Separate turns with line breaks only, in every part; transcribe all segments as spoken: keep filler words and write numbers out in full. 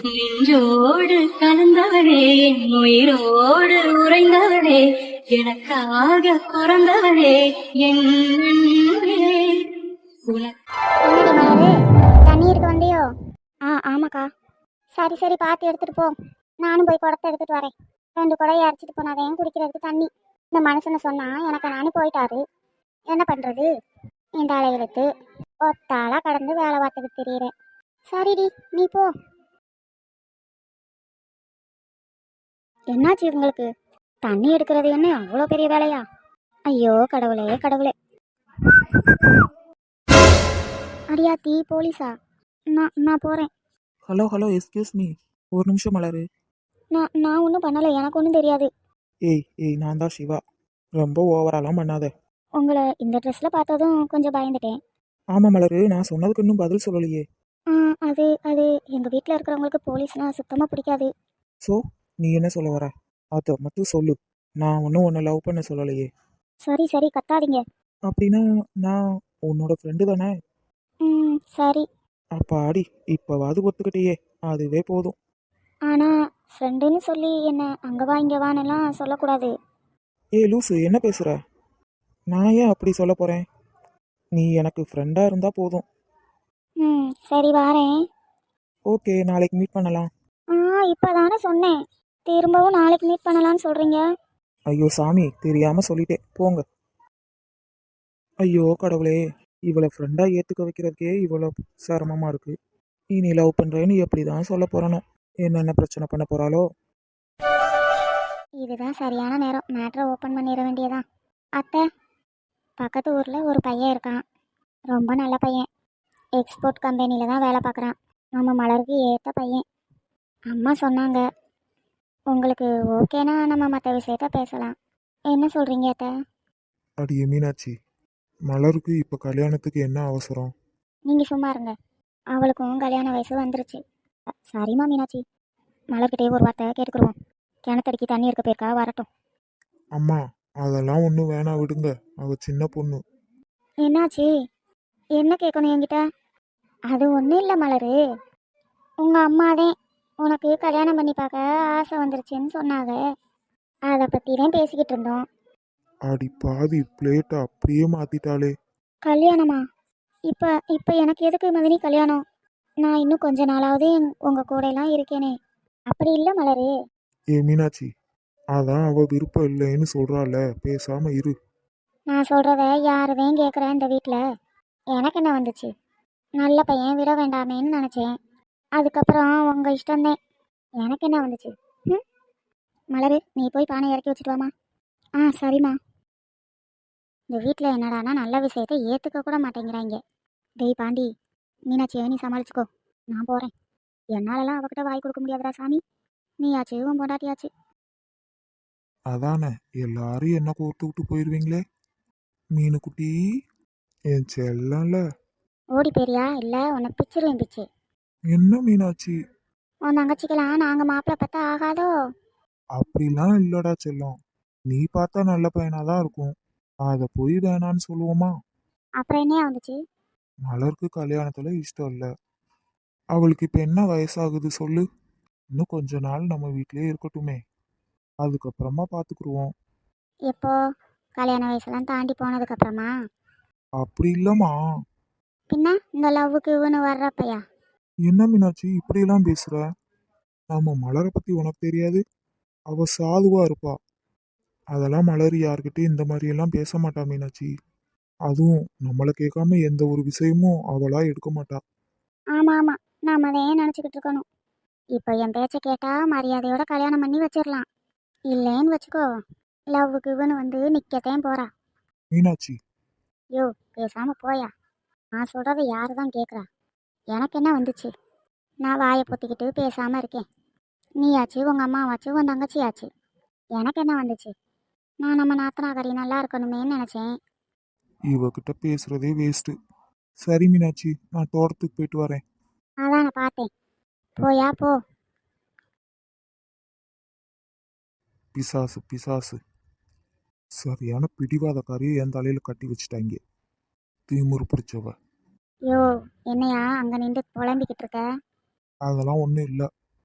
நின்றோடு கலந்தவளே என் உயிரோடு உறைந்தவளே எனக்காக பிறந்தவளே என் அன்பே. உனக்கு
என்னடி மலரு, தண்ணி எடுக்க வந்தியோ? ஆ ஆமாக்கா. சரி சரி, பார்த்து எடுத்துட்டு போ. நானும் போய் குடத்தை எடுத்துட்டு வரேன். ரெண்டு குடம் இறச்சிட்டு போனாதேன் குடிக்கிறதுக்கு தண்ணி. இந்த மனுஷனை சொன்னா எனக்கு நானும் போயிட்டாரு. என்ன பண்றது? இந்த அலையிலுத்து ஒத்தாளா கடந்து வேலை பார்த்துக்கிட்டு தெரியுறேன். சரிடி, நீ போ. என்னாச்சு உங்களுக்கு? தண்ணி எடுக்கிறது என்ன அவ்வளோ பெரிய வேலையா? ஐயோ கடவுளே கடவுளே. அடியாத்தி, போலீஸா? நான் நான் போகிறேன்.
ஹலோ ஹலோ எஸ்கியூஸ் மீ, ஒரு நிமிஷம் மலரு.
நான் நான் ஒன்றும் பண்ணலை, எனக்கு ஒன்றும் தெரியாது.
ஏய் ஏய் நான் தான் சிவா. ரொம்ப ஓவராலாம் பண்ணாத.
உங்களை இந்த ட்ரெஸ்ஸில் பார்த்ததும் கொஞ்சம் பயந்துட்டேன்.
ஆமாம் மலரு, நான் சொன்னதுக்கு இன்னும் பதில் சொல்லலையே.
ஆ, அது அது எங்கள் வீட்டில் இருக்கிறவங்களுக்கு போலீஸ்னால் சுத்தமாக பிடிக்காது.
ஸோ நீ என்ன சொல்ல வர? அதை மட்டும் சொல்லு. நான் ஒன்றும் உன்னை லவ் பண்ண சொல்லலையே.
சரி சரி, கத்தாதீங்க.
அப்படின்னா நான் உன்னோட ஃப்ரெண்டு தானே?
ம் சரி.
அப்பாடி, இப்போவாது ஒத்துக்கிட்டேயே, அதுவே போதும்.
ஆனால் ஃப்ரெண்டுன்னு சொல்லி என்ன அங்கே வா இங்கே வானெல்லாம் சொல்லக்கூடாது.
ஏ லூசு, என்ன பேசுகிற? நான் ஏன் அப்படி சொல்ல போகிறேன்? நீ எனக்கு ஃப்ரெண்டாக இருந்தால் போதும்.
ம் சரி, வாரேன்.
ஓகே, நாளைக்கு மீட் பண்ணலாம்.
ஆ இப்போ தானே சொன்னேன், திரும்பவும் நாளைக்கு மீட் பண்ணலான்னு சொல்கிறீங்க.
ஐயோ சாமி, தெரியாமல் சொல்லிட்டேன், போங்க. ஐயோ கடவுளே, இவளை ஃப்ரெண்டாக ஏற்றுக்க வைக்கிறதுக்கே இவ்வளோ சிரமமாக இருக்குது. இனி லவ் பண்ணுறேன்னு எப்படி தான் சொல்ல போகிறனோ, என்னென்ன பிரச்சனை பண்ண போகிறாளோ.
இதுதான் சரியான நேரம், மேட்ரை ஓப்பன் பண்ணிட வேண்டியதான். அத்தை, பக்கத்து ஊரில் ஒரு பையன் இருக்கான், ரொம்ப நல்ல பையன். எக்ஸ்போர்ட் கம்பெனியில் தான் வேலை பார்க்குறான். நம்ம மலருக்கு ஏற்ற பையன். அம்மா சொன்னாங்க, உங்களுக்கு ஓகேனா நம்ம மற்ற விஷயத்த பேசலாம். என்ன சொல்கிறீங்க அத்தை?
அடியே மீனாட்சி, மலருக்கு இப்போ கல்யாணத்துக்கு என்ன அவசரம்?
நீங்கள் சும்மா இருங்க, அவளுக்கும் கல்யாண வயசு வந்துருச்சு. சரிம்மா மீனாட்சி, மலர்கிட்டே ஒரு வார்த்தை கேட்டுக்குருவோம். கிணத்தடிக்கு தண்ணி இருக்க போயிருக்கா, வரட்டும்.
அம்மா, அதெல்லாம் ஒன்றும் வேணாம், விடுங்க. அவ சின்ன பொண்ணு.
என்னாச்சு? என்ன கேட்கணும் என்கிட்ட? அது ஒன்றும் இல்லை மலரு, உங்கள் அம்மாதான் உனக்கு கல்யாணம் பண்ணி பார்க்க ஆசை வந்துருச்சுன்னு சொன்னாங்க. அதை பற்றி தான் பேசிக்கிட்டு இருந்தோம்.
அடி பாதி, பிளேட்டை அப்படியே மாத்திட்டாளே.
கல்யாணமா? இப்போ இப்போ எனக்கு எதுக்கு மதினி கல்யாணம்? நான் இன்னும் கொஞ்ச நாளாவது உங்கள் கூடையெல்லாம் இருக்கேனே. அப்படி இல்லை மலரு.
ஏ மீனாட்சி, அதான் அவ விருப்பம் இல்லைன்னு சொல்றாள, பேசாம இரு.
நான் சொல்கிறத யாருதையும் கேட்குறேன் இந்த வீட்டில். எனக்கு என்ன வந்துச்சு? நல்ல பையன் விட வேண்டாமேன்னு நினச்சேன். அதுக்கப்புறம் உங்கள் இஷ்டந்தேன். எனக்கு என்ன வந்துச்சு? ம் மலரு, நீ போய் பானை இறக்கி வச்சுட்டு வாமா. ஆ சரிம்மா. இந்த வீட்டில் என்னடானா நல்ல விஷயத்தை ஏற்றுக்க கூட மாட்டேங்கிறாங்க. டேய் பாண்டி, மீனாட்சியை நீ சமாளிச்சுக்கோ, நான் போகிறேன். என்னாலலாம் அவகிட்ட வாய் கொடுக்க முடியாதுடா சாமி. நீயாச்சு உன் பொண்டாட்டியாச்சு.
அதானே, எல்லாரும் என்ன கோர்த்து விட்டு போயிடுவீங்களே. மீனு குட்டி, என் செல்லம்ல.
ஓடி போறியா இல்லை உன்னை பிச்சிருவேன் பிச்சு.
என்ன மீனாட்சி?
உன் தங்கச்சிக்கலாம் நாங்கள் மாப்பிள்ளை பார்த்தா ஆகாதோ?
அப்படிலாம் இல்லடா செல்லம், நீ பார்த்தா நல்ல பையனாதான் இருக்கும். அதை போய் வேணான்னு சொல்லுவோமா?
அப்புறம் என்னையா வந்துச்சு?
மலருக்கு கல்யாணத்துல இஷ்டம் இல்லை. அவளுக்கு இப்ப என்ன வயசாகுது சொல்லு? இன்னும் கொஞ்ச நாள் நம்ம வீட்டிலேயே இருக்கட்டுமே, அதுக்கப்புறமா பாத்துக்குருவோம்.
எப்போ? கல்யாண வயசுலாம் தாண்டி போனதுக்கப்புறமா?
அப்படி இல்லம்மா.
பின்ன இந்த லவ்வுக்கு இவனு வர்றப்பையா?
என்ன மீனாட்சி இப்படியெல்லாம் பேசுற? நம்ம மலரை பத்தி உனக்கு தெரியாது? அவ சாதுவா இருப்பா. அதெல்லாம் மலர் யார்கிட்டயும் இந்த மாதிரி எல்லாம் பேச மாட்டா மீனாட்சி. அதுவும் நம்மளை கேட்காம எந்த ஒரு விஷயமும் அவளா எடுக்க மாட்டா.
ஆமாம் ஆமாம், நாம் அதையே நினச்சிக்கிட்டு இருக்கணும். இப்போ என் பேச்சை கேட்டால் மரியாதையோட கல்யாணம் பண்ணி வச்சிடலாம். இல்லைன்னு வச்சுக்கோ, லவ்வுக்கு இவனு வந்து நிற்கத்தையும் போகிறா.
மீனாட்சி,
யோ பேசாமல் போயா. நான் சொல்கிறத யாரு தான் கேட்குறா? எனக்கு என்ன வந்துச்சு? நான் வாயை பொத்திக்கிட்டு பேசாமல் இருக்கேன். நீயாச்சு, உங்கள் அம்மாவாச்சு, உன் தங்கச்சியாச்சு. எனக்கு என்ன வந்துச்சு? நான் நம்ம நாத்தனாகரி நல்லா இருக்கணுமேன்னு நினச்சேன்.
இவகிட்ட பேசுறதே வேஸ்ட்டு. சரி மீனாட்சி, நான் தோட்டத்துக்கு போயிட்டு வரேன்.
அதான் நான் பார்த்தேன், போயா போ.
பிசாசு பிசாசு, சரியான பிடிவாதக்காரியை என் தலையில கட்டி வச்சுட்டாங்க. திமிரு பிடிச்சவ.
யோ என்னையா அங்கே நின்று புலம்பிக்கிட்டு இருக்க?
அதெல்லாம் ஒன்றும் இல்லை.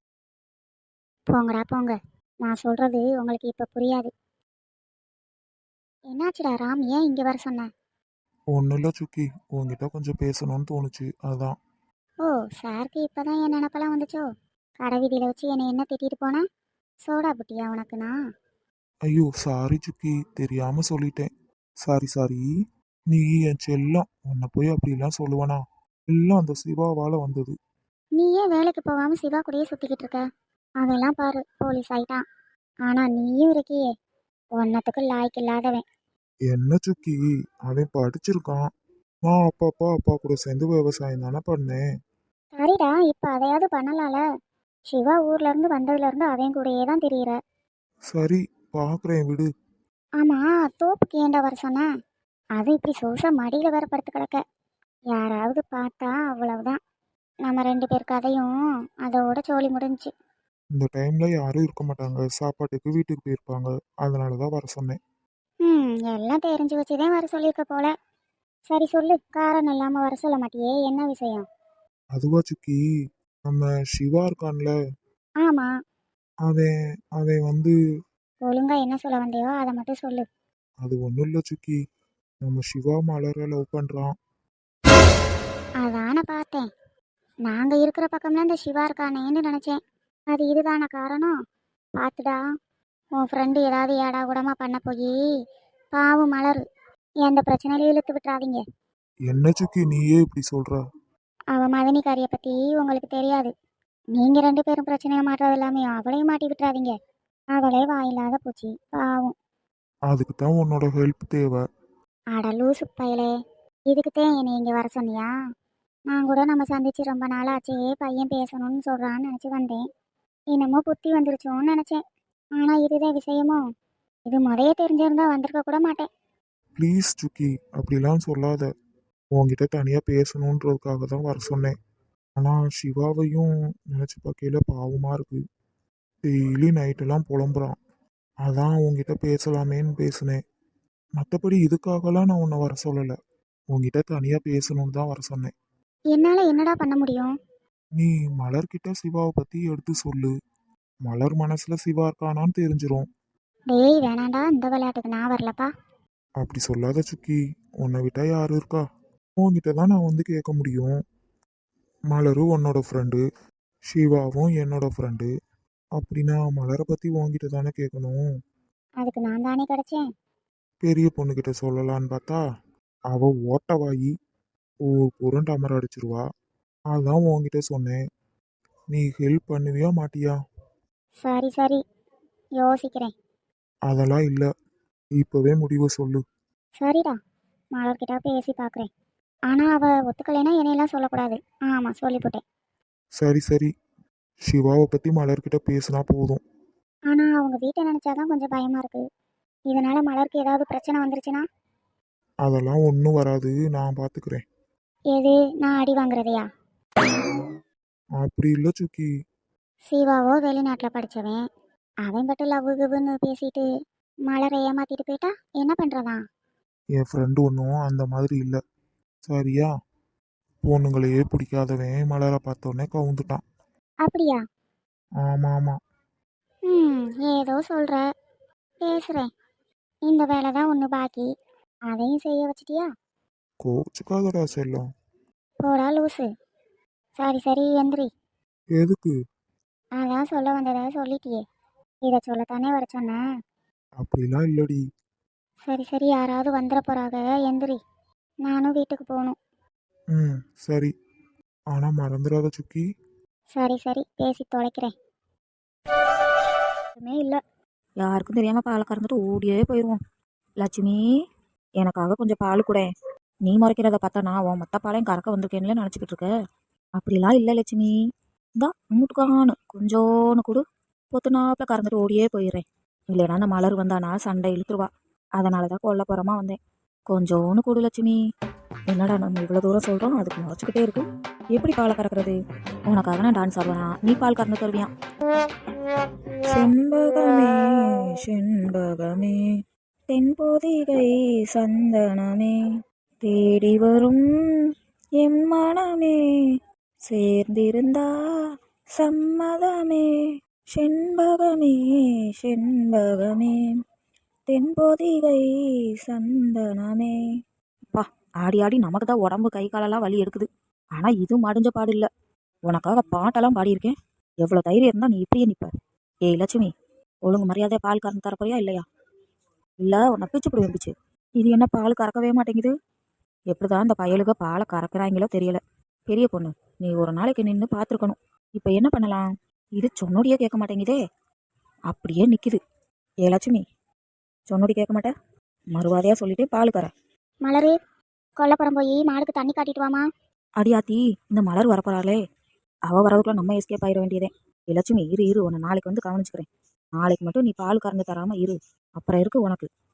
போங்கடா போங்க. நான் சொல்றது உங்களுக்கு இப்போ புரியாது. என்னாச்சுடா ராம், ஏன் இங்கே வர சொன்ன?
ஒன்றும் இல்லை சுக்கி, உன்கிட்ட கொஞ்சம் பேசணும்னு தோணுச்சு அதான்.
ஓ, சாருக்கு இப்போதான் என் நினப்பெல்லாம் வந்துச்சோ? கடை வீதியில் வச்சு என்னை என்ன திட்டிட்டு போனேன்? சோடா புட்டியா உனக்குண்ணா?
ஐயோ சாரி சுக்கி, தெரியாம சொல்லிட்டேன். Sorry sorry. நீ என் செல்லம், உன்னை போய் அப்படிலாம் சொல்லுவனா? எல்லாம் அந்த சிவாவால வந்தது.
நீ ஏன் வேலைக்கு போகாமல் சிவா கூடயே சுற்றிக்கிட்டு இருக்க? அவெல்லாம் பாரு போலீஸ் ஆயிட்டான். ஆனால் நீயும் இருக்கியே, ஒன்னத்துக்கு லாய்க்கு இல்லாதவன்.
என்ன சுக்கி, அவன் படிச்சிருக்கான். நான் அப்பப்பா அப்பா கூட சேர்ந்து விவசாயம் தானே பண்ணேன்.
சரிடா, இப்போ அதையாவது பண்ணலால. சிவா ஊர்ல இருந்து வந்ததுல இருந்து அவன் கூடயே தான் தெரியுற.
சரி, பார்க்குறேன் விடு.
ஆமா, தோப்புக்கு ஏண்டா வர சொன்ன? அது இப்படி சொச மடியில வேற படுத்து கிடக்க. யாராவது பார்த்தா அவ்வளவுதான். நம்ம ரெண்டு பேர் கதையும் அதோட சோழி முடிஞ்சுச்சு.
இந்த டைம்ல யாரும் இருக்க மாட்டாங்க, சாப்பாட்டுக்கு வீட்டுக்கு போயிருப்பாங்க. அதனால தான் வர சொன்னேன்.
ம் எல்லாம் தெரிஞ்சு வச்சுதான் வர சொல்லியிருக்க போல. சரி சொல்லு, காரணம் இல்லாம வர சொல்ல மாட்டியே, என்ன விஷயம்?
அதுவா சுக்கி, நம்ம சிவா இருக்கான்ல,
ஆமா,
அவன் அவன் வந்து
ஒழுங்கா என்ன சொல்ல வந்தியோ அதை மட்டும் சொல்லு.
அது ஒன்றும் இல்லை சுக்கி, நம்ம சிவா மலரை லவ் பண்ணுறான்.
அதான பார்த்தேன். நாங்க இருக்கிற பக்கம்லாம் இந்த சிவா இருக்கானேன்னு நினைச்சேன். அது இதுதான காரணம்? பார்த்துடா, உன் ஃப்ரெண்டு ஏதாவது ஏடா கூடமா பண்ண போய் பாவம் மலரு எந்த பிரச்சனையிலையும் இழுத்து விட்டுறாதீங்க.
என்ன சுக்கி நீயே இப்படி சொல்ற?
அவ மதனிக்காரியை பற்றி உங்களுக்கு தெரியாது. நீங்கள் ரெண்டு பேரும் பிரச்சனையை மாட்டுறது எல்லாமே அவளையும் மாட்டி விட்டுறாதீங்க. அவளே வாயில்லாத பூச்சி பாவம்.
அதுக்கு தான் உன்னோட ஹெல்ப் தேவை.
அட லூசு பயலே, இதுக்குத்தான் என்னை இங்கே வர சொன்னியா? நான் கூட நம்ம சந்திச்சு ரொம்ப நாள் ஆச்சே, பையன் பேசணும்னு சொல்கிறான்னு நினச்சி வந்தேன். என்னமோ புத்தி வந்துருச்சோன்னு நினச்சேன். ஆனால் இதுதான் விஷயமோ? இது முதைய தெரிஞ்சிருந்தா வந்திருக்க கூட மாட்டேன்.
ப்ளீஸ் சுக்கி, அப்படிலாம் சொல்லாத. உன்கிட்ட தனியாக பேசணுன்றதுக்காக தான் வர சொன்னேன். ஆனால் சிவாவையும் நினச்சி பார்க்கையில பாவமாக இருக்கு. டெய்லி நைட்டெல்லாம் புலம்புறான். அதான் உன்கிட்ட பேசலாமேன்னு பேசினேன். மற்றபடி இதுக்காகலாம் நான் உன்னை வர சொல்லலை. உன்கிட்ட தனியாக பேசணும்னு தான் வர சொன்னேன்.
என்னால் என்னடா பண்ண முடியும்?
நீ மலர்கிட்ட சிவாவை பற்றி எடுத்து சொல்லு. மலர் மனசில் சிவா இருக்கானான்னு தெரிஞ்சிரும்.
டேய் வேணாண்டா, இந்த விளையாட்டுக்கு நான் வரலப்பா.
அப்படி சொல்லாத சுக்கி, உன்னை விட்டா யாரு இருக்கா? உன்கிட்ட தான் நான் வந்து கேட்க முடியும். மலரும் உன்னோட ஃப்ரெண்டு, சிவாவும் என்னோட ஃப்ரெண்டு. அப்படின்னா மலரை பற்றி உன்கிட்ட தானே கேட்கணும்.
அதுக்கு நான் தானே கிடைச்சேன்.
பெரிய பொண்ணுக்கிட்ட சொல்லலான்னு பார்த்தா அவ ஓட்டவாயி ஒரு புரண்டு அமர அடிச்சிருவா. அதான் உன்கிட்ட சொன்னேன். நீ ஹெல்ப் பண்ணுவியா மாட்டியா?
சரி சரி, யோசிக்கிறேன்.
அதெல்லாம் இல்லை, இப்போவே முடிவை சொல்லு.
சரிடா, மலர்கிட்ட பேசி பார்க்குறேன். ஆனால் அவள் ஒத்துக்கலைன்னா என்னையெல்லாம் சொல்லக்கூடாது. ஆமாம், சொல்லிவிட்டேன்.
சரி சரி, சிவாவை பற்றி மலர்கிட்ட பேசினா போதும்.
ஆனால் அவங்க வீட்டை நினச்சாதான் கொஞ்சம் பயமாக இருக்குது. இதனால் மலருக்கு ஏதாவது பிரச்சனை வந்துருச்சுன்னா?
அதெல்லாம் ஒன்றும் வராது, நான் பார்த்துக்கிறேன்.
எது, நான் அடி வாங்குறதையா?
அப்படி இல்லை சுக்கி.
சிவாவோ வெளிநாட்டில் படித்தவன், அவன் மட்டும் லவ் குவுன்னு பேசிட்டு மலரை ஏமாத்திட்டு போயிட்டா என்ன பண்ணுறதா?
என் ஃப்ரெண்டு ஒன்றும் அந்த மாதிரி இல்லை, சரியா? பொண்ணுங்களையே பிடிக்காதவன் மலரை பார்த்தோன்னே கவுந்துட்டான்.
அப்படியா?
ஆமாம் ஆமாம்.
ம் ஏதோ சொல்கிற, பேசுகிறேன். இந்த வேலை தான் ஒன்று பாக்கி, அதையும் செய்ய வச்சிட்டியா?
கோச்சுக்காதடா செல்லம்.
போடா லூசு. சரி சரி, எந்திரி.
எதுக்கு?
அதான் சொல்ல வந்ததை சொல்லிட்டியே, இதை சொல்லத்தானே வர சொன்னேன்.
அப்படிலாம் இல்லடி.
சரி சரி, யாராவது வந்துட போகிறாங்க, எந்திரி. நானும் வீட்டுக்கு போகணும்.
ம் சரி, ஆனால் மறந்துடாத சுக்கி.
சரி சரி, பேசி தொலைக்கிறேன்.
எதுவுமே இல்லை, யாருக்கும் தெரியாமல் பாலை கறந்துட்டு ஓடியே போயிடுவோம். லட்சுமி, எனக்காக கொஞ்சம் பால் கூட. நீ முறைக்கிறத பார்த்தா நான் உன் மொத்த பாலையும் கறக்க வந்திருக்கேன்ல நினச்சிக்கிட்டு இருக்க. அப்படிலாம் இல்லை லட்சுமி, தான் மூட்டுக்கானு கொஞ்சோன்னு கொடு, பொத்துனாப்பில் கறந்துட்டு ஓடியே போயிடுறேன். இல்லைனா நான் மலர் வந்தானா சண்டை இழுத்துருவா. அதனால தான் கொல்ல போகிறமா வந்தேன். கொஞ்சோன்னு கொடு லட்சுமி. என்னடா நம்ம இவ்வளோ தூரம் சொல்கிறோம், அதுக்கு முறைச்சிக்கிட்டே இருக்கு. எப்படி பாலை கறக்கிறது? உனக்காக நான் டான்ஸ் ஆடுவேனா, நீ பால் கறந்து தருவியான். செண்பகமே செண்பகமே தென்பொதிகை சந்தனமே தேடி வரும் என் மனமே சேர்ந்திருந்தா சம்மதமே செண்பகமே செண்பகமே தென்பொதிகை சந்தனமே. பா, ஆடி ஆடி நமக்கு தான் உடம்பு கை காலெல்லாம் வலி எடுக்குது. ஆனால் இது மடிஞ்ச பாடு இல்லை. உனக்காக பாட்டெல்லாம் பாடியிருக்கேன். எவ்வளோ தைரியம் இருந்தால் நீ இப்படியே நிற்ப. ஏய் லட்சுமி, ஒழுங்கு மரியாதையாக பால் கறந்து தரப்போறியா இல்லையா? இல்லை உன்னை பிச்சு பிடி பிச்சு. இது என்ன பால் கறக்கவே மாட்டேங்குது? எப்படிதான் இந்த பயலுக பாலை கறக்குறாங்களோ தெரியல. பெரிய பொண்ணு, நீ ஒரு நாளைக்கு நின்று பார்த்துருக்கணும். இப்போ என்ன பண்ணலாம்? இது சொன்னோடியே கேட்க மாட்டேங்குதே, அப்படியே நிற்கிது. ஏ லட்சுமி, சொன்னோடி கேட்க மாட்டேன், மறுவாதையாக சொல்லிட்டு பால் கற.
மலரு, கொல்லப்புறம் போய் மாடுக்கு தண்ணி காட்டிட்டு வாமா.
அடியாத்தி, இந்த மலர் வரப்போறாளே, அவள் வரதுக்குள்ள நம்ம எஸ்கேப் ஆயிட வேண்டியதே. ஏ லட்சுமி, இரு இரு, உன்னை நாளைக்கு வந்து கவனிச்சுக்கிறேன். நாளைக்கு மட்டும் நீ பால் கறந்து தராமல் இரு, அப்புறம் இருக்கு உனக்கு.